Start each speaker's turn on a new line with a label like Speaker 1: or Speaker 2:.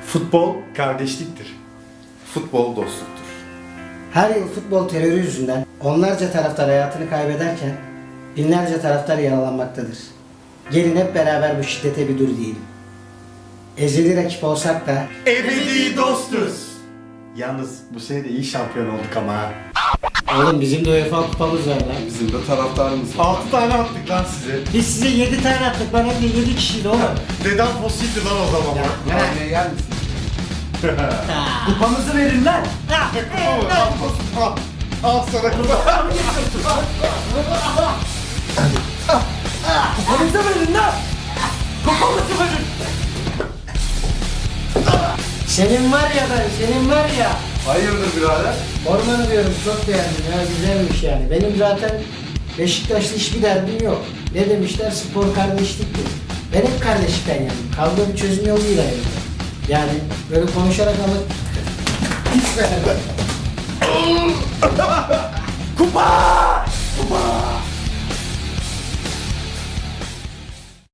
Speaker 1: Futbol kardeşliktir.
Speaker 2: Futbol dostluktur.
Speaker 3: Her yıl futbol terörü yüzünden onlarca taraftar hayatını kaybederken binlerce taraftar yaralanmaktadır. Gelin hep beraber bu şiddete bir dur diyelim. Ezeli rakip olsak da
Speaker 1: Ebedi dostuz. Yalnız bu sene de iyi şampiyon olduk ama ha.
Speaker 3: oğlum bizim de UEFA kupamız var lan.
Speaker 2: Bizim de taraftarımız var.
Speaker 1: 6 tane attık lan size.
Speaker 3: Biz size 7 tane attık lan, hem de 7 kişiydi oğlum.
Speaker 1: Dedem fosildi lan o zaman.
Speaker 2: Kahveye yer misin?
Speaker 3: Kupamızı verin lan.
Speaker 1: Al sana kupa.
Speaker 3: Kupamızı verin lan. Kupamızı verin. Senin var ya senin var ya.
Speaker 2: Hayırdır birader?
Speaker 3: Ormanı diyorum, çok beğendim ya, güzelmiş yani. Benim zaten Beşiktaş'ta hiçbir derdim yok. Ne demişler? Spor kardeşliktir. Ben hep kardeşlikten yandım. Kavga bir çözüm yoluyla yandım. Yani böyle konuşarak ama hiç beğenmedim.
Speaker 1: Kupa!